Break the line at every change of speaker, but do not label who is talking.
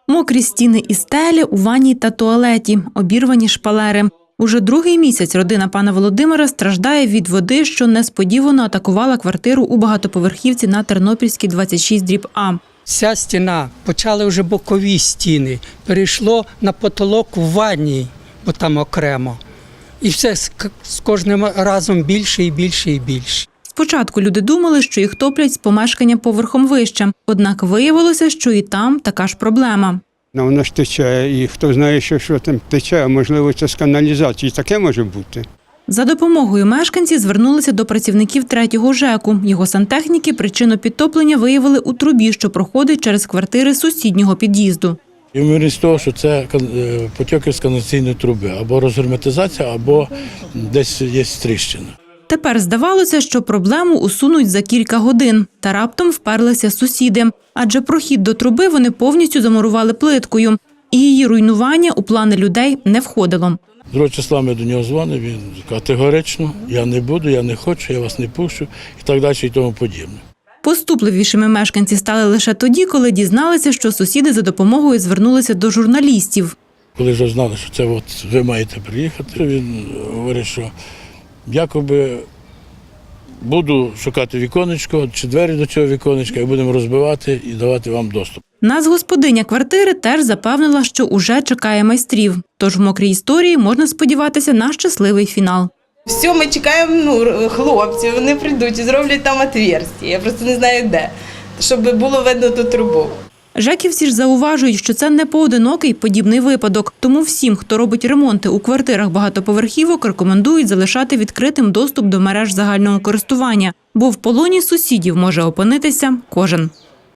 Мокрі стіни і стелі у ванній та туалеті, обірвані шпалери. Уже другий місяць родина пана Володимира страждає від води, що несподівано атакувала квартиру у багатоповерхівці на Тернопільській, 26/А.
Ця стіна, почали вже бокові стіни, перейшло на потолок в ванні, бо там окремо. І все з кожним разом більше і більше і більше.
Спочатку люди думали, що їх топлять з помешкання поверхом вище. Однак виявилося, що і там така ж проблема.
Воно ж тече, і хто знає, що там тече, а можливо це з каналізації, таке може бути.
За допомогою мешканці звернулися до працівників 3-го ЖЕКу. Його сантехніки причину підтоплення виявили у трубі, що проходить через квартири сусіднього під'їзду.
Ймовірність того, що це потьоки з каналізаційної труби, або розгерметизація, або десь є тріщина.
Тепер здавалося, що проблему усунуть за кілька годин. Та раптом вперлися сусіди. Адже прохід до труби вони повністю замурували плиткою. І її руйнування у плани людей не входило.
2 числа ми до нього дзвонили, він категорично, я не буду, я не хочу, я вас не пущу і так далі і тому подібне.
Поступливішими мешканці стали лише тоді, коли дізналися, що сусіди за допомогою звернулися до журналістів.
Коли вже знали, що це ви маєте приїхати, він говорить, що якоби буду шукати віконечко чи двері до цього віконечка і будемо розбивати і давати вам доступ.
Нацгосподиня квартири теж запевнила, що уже чекає майстрів. Тож в мокрій історії можна сподіватися на щасливий фінал.
Все, ми чекаємо хлопців, вони прийдуть і зроблять там отверстя. Я просто не знаю де, щоб було видно ту трубу.
Жеківці ж зауважують, що це не поодинокий подібний випадок. Тому всім, хто робить ремонти у квартирах багатоповерхівок, рекомендують залишати відкритим доступ до мереж загального користування. Бо в полоні сусідів може опинитися кожен.